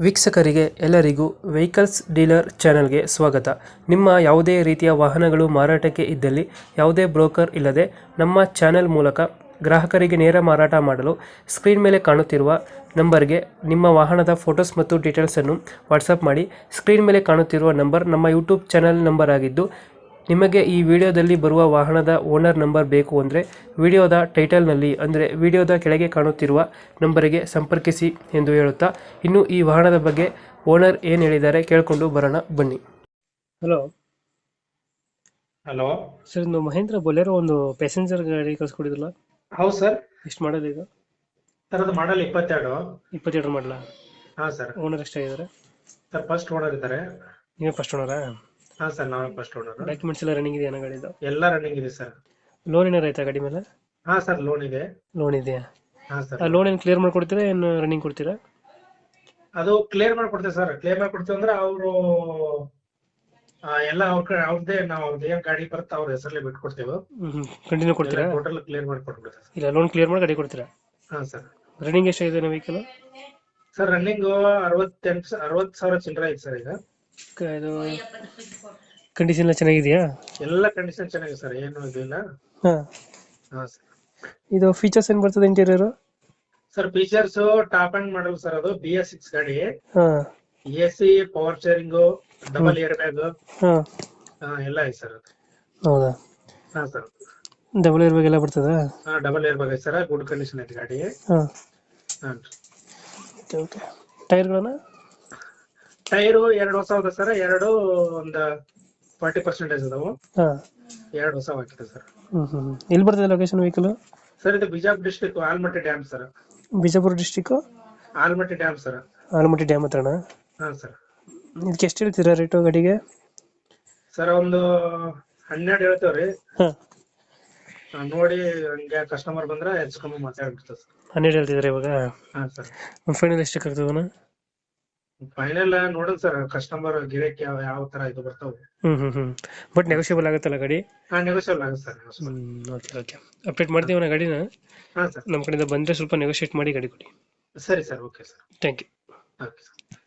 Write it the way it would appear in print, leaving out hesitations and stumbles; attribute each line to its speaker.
Speaker 1: ವೀಕ್ಷಕರಿಗೆ ಎಲ್ಲರಿಗೂ vehicles dealer ಚಾನೆಲ್ಗೆ ಸ್ವಾಗತ. ನಿಮ್ಮ ಯಾವುದೇ ರೀತಿಯ ವಾಹನಗಳು ಮಾರಾಟಕ್ಕೆ ಇದ್ದಲ್ಲಿ ಯಾವುದೇ ಬ್ರೋಕರ್ ಇಲ್ಲದೆ ನಮ್ಮ ಚಾನೆಲ್ ಮೂಲಕ ಗ್ರಾಹಕರಿಗೆ ನೇರ ಮಾರಾಟ ಮಾಡಲು ಸ್ಕ್ರೀನ್ ಮೇಲೆ ಕಾಣುತ್ತಿರುವ ನಂಬರ್ಗೆ ನಿಮ್ಮ ವಾಹನದ ಫೋಟೋಸ್ ಮತ್ತು ಡೀಟೇಲ್ಸನ್ನು ವಾಟ್ಸಪ್ ಮಾಡಿ. ಸ್ಕ್ರೀನ್ ಮೇಲೆ ಕಾಣುತ್ತಿರುವ ನಂಬರ್ ನಮ್ಮ ಯೂಟ್ಯೂಬ್ ಚಾನೆಲ್ ನಂಬರ್ ಆಗಿದ್ದು, ನಿಮಗೆ ಈ ವಿಡಿಯೋದಲ್ಲಿ ಬರುವ ವಾಹನದ ಓನರ್ ನಂಬರ್ ಬೇಕು ಅಂದರೆ ವಿಡಿಯೋದ ಟೈಟಲ್ನಲ್ಲಿ ಅಂದರೆ ವಿಡಿಯೋದ ಕೆಳಗೆ ಕಾಣುತ್ತಿರುವ ನಂಬರಿಗೆ ಸಂಪರ್ಕಿಸಿ ಎಂದು ಹೇಳುತ್ತಾ, ಇನ್ನು ಈ ವಾಹನದ ಬಗ್ಗೆ ಓನರ್ ಏನು ಹೇಳಿದ್ದಾರೆ ಕೇಳಿಕೊಂಡು ಬರೋಣ ಬನ್ನಿ. ಹಲೋ
Speaker 2: ಹಲೋ
Speaker 1: ಸರ್, ಇದು ಮಹೇಂದ್ರ ಬೊಲೆರೋ ಒಂದು ಪ್ಯಾಸೆಂಜರ್ ಗಾಡಿ ಕಳ್ಸ್ಕೊಡಿದ್ರಲ್ಲ,
Speaker 2: ಹೌದು ಸರ್.
Speaker 1: ಎಷ್ಟು ಮಾಡಲ್ ಇದು?
Speaker 2: ಸರ್ ಅದು ಮಾಡಲ್ 22.
Speaker 1: 22 ಮಾಡಲ?
Speaker 2: ಹಾ ಸರ್.
Speaker 1: ಓನರ್ ಎಷ್ಟಾಗಿದ್ದಾರೆ
Speaker 2: ಸರ್ ಫಸ್ಟ್ ಓನರ್ ಇದ್ದಾರೆ.
Speaker 1: ನೀವೇ ಫಸ್ಟ್ ಓನರಾ?
Speaker 2: ಹಾ ಸರ್, ನಾವೇ ಫಸ್ಟ್ ಓನರ್.
Speaker 1: ಡಾಕ್ಯುಮೆಂಟ್ಸ್ ಎಲ್ಲ ರನ್ನಿಂಗ್ ಇದೆಯಾ ಗಾಡಿದು?
Speaker 2: ಎಲ್ಲ ರನ್ನಿಂಗ್ ಇದೆ ಸರ್.
Speaker 1: ಲೋನ್ ಏನಾರು ಆಯ್ತಾ ಗಾಡಿ ಮೇಲೆ?
Speaker 2: ಹಾ ಸರ್, ಲೋನ್ ಇದೆ.
Speaker 1: ಲೋನ್ ಇದೆಯಾ?
Speaker 2: ಹಾ ಸರ್.
Speaker 1: ಆ ಲೋನ್ ಏನು ಕ್ಲಿಯರ್ ಮಾಡ್ಕೊಡ್ತೀರಾ, ಏನು ರನ್ನಿಂಗ್ ಕೊಡ್ತೀರಾ?
Speaker 2: ಅದು ಕ್ಲಿಯರ್ ಮಾಡ್ಕೊಡ್ತೇವೆ ಸರ್. ಕ್ಲಿಯರ್ ಮಾಡ್ಕೊಡ್ತೇವೆ ಅಂದ್ರೆ ಅವರು ಎಲ್ಲ ಅವ್ರದ್ದೇ, ನಾವು ಅವ್ರದ್ದು ಏನ್ ಗಾಡಿ ಬರುತ್ತೆ ಅವ್ರ ಹೆಸರಲ್ಲೇ ಬಿಟ್ಕೊಡ್ತೇವೆ.
Speaker 1: ಕಂಟಿನ್ಯೂ ಕೊಡ್ತೀರಾ?
Speaker 2: ಟೋಟಲ್ ಕ್ಲಿಯರ್ ಮಾಡ್ಕೊಟ್ಬಿಡ್ತೇವೆ.
Speaker 1: ಇಲ್ಲ, ಲೋನ್ ಕ್ಲಿಯರ್ ಮಾಡಿ ಗಾಡಿ ಕೊಡ್ತೀರಾ?
Speaker 2: ಹಾ ಸರ್.
Speaker 1: ರನ್ನಿಂಗ್ ಎಷ್ಟಾಗಿದೆ ನಮ್ಮ ವೆಹಿಕಲ್?
Speaker 2: ಸರ್ ರನ್ನಿಂಗ್ 60,000 ಚಿಲ್ಲರೆ ಐತೆ ಸರ್. ಈಗ
Speaker 1: ಇದು ಕಂಡೀಷನ್ ಎಲ್ಲ ಚೆನ್ನಾಗಿದೆಯಾ?
Speaker 2: ಎಲ್ಲ ಕಂಡೀಷನ್ ಚೆನ್ನಾಗಿದೆ ಸರ್, ಏನು ಇದಿಲ್ಲ.
Speaker 1: ಹಾ.
Speaker 2: ಹಾ ಸರ್.
Speaker 1: ಇದು ಫೀಚರ್ಸ್ ಏನ್ ಬರ್ತದೆ interior?
Speaker 2: Sir features top end model sir. ಅದು BS6 ಗಾಡಿ.
Speaker 1: ಹಾ.
Speaker 2: AC, power steering, double air bag,
Speaker 1: ಹಾ.
Speaker 2: ಎಲ್ಲ ಐತೆ ಸರ್.
Speaker 1: ಹೌದಾ?
Speaker 2: ಹಾ ಸರ್.
Speaker 1: ಡಬಲ್ ಏರ್ ಬ್ಯಾಗ್ ಎಲ್ಲ ಬರ್ತದಾ?
Speaker 2: ಹಾ, ಡಬಲ್ ಏರ್ ಬ್ಯಾಗ್ ಐತೆ ಸರ್. ಗುಡ್ ಕಂಡೀಷನ್ ಐತೆ ಗಾಡಿ.
Speaker 1: ಹಾ.
Speaker 2: ಹಾ.
Speaker 1: ಓಕೆ. ಟೈರ್ಗಳನ್ನ?
Speaker 2: ಟೈರು 2 ಹೊಸ ಅದ ಸರ್. ಎರಡು ಒಂದು 40% ಅದಾವು.
Speaker 1: ಹಾ.
Speaker 2: 2 ಹೊಸ ಹಾಕಿದೆ ಸರ್.
Speaker 1: ಎಲ್ಲಿ ಬರ್ತದೆ ಲೊಕೇಶನ್ ವೆಹಿಕಲ್?
Speaker 2: ಸರ್ ಇದು Bijapur district, Almatti dam sir.
Speaker 1: Bijapur district
Speaker 2: Almatti dam sir.
Speaker 1: Almatti dam ಹತ್ರನಾ?
Speaker 2: ಹಾ ಸರ್.
Speaker 1: ಇದಕ್ಕೆ ಎಷ್ಟು ಹೇಳ್ತೀರಾ ರೇಟು ಗಾಡಿಗೆ?
Speaker 2: ಸರ್ ಒಂದು 12 ಹೇಳ್ತೇವ್ರಿ.
Speaker 1: ಹಾ.
Speaker 2: ನೋಡಿ ಹಂಗೆ ಕಸ್ಟಮರ್ ಬಂದ್ರೆ ಹೆಚ್ಚು ಕಮ್ಮಿ ಮಾತಾಡ್ಬಿಡ್ತೇವೆ ಸರ್.
Speaker 1: 12 ಹೇಳ್ತಿದ್ದಾರೆ ಇವಾಗ?
Speaker 2: ಹಾ ಸರ್.
Speaker 1: ಫೈನಲ್ ಎಷ್ಟಕ್ಕೆ ಆಗ್ತದಣ್ಣ?
Speaker 2: ಫೈನಲ್ ನೋಡೋಣ ಸರ್, ಕಸ್ಟಮರ್ ಗಿರಾಕಿ ಯಾವ ತರ ಇದು ಬರ್ತಾವೆ.
Speaker 1: ಬಟ್ ನೆಗೋಷಿಯಬಲ್ ಆಗುತ್ತಲ್ಲ ಗಾಡಿ?
Speaker 2: ಹಾ, ನೆಗೋಷಿಯಬಲ್ ಆಗುತ್ತೆ ಸರ್.
Speaker 1: ಓಕೆ ಓಕೆ, ಅಪ್ಡೇಟ್ ಮಾಡ್ತೀವಿ ಗಾಡಿನ.
Speaker 2: ಹಾ ಸರ್.
Speaker 1: ನಮ್ಮ ಕಡೆಯಿಂದ ಬಂದರೆ ಸ್ವಲ್ಪ ನೆಗೋಷಿಯೇಟ್ ಮಾಡಿ ಗಾಡಿ ಕೊಡಿ.
Speaker 2: ಸರಿ sir, okay sir.
Speaker 1: Thank you.
Speaker 2: Okay sir.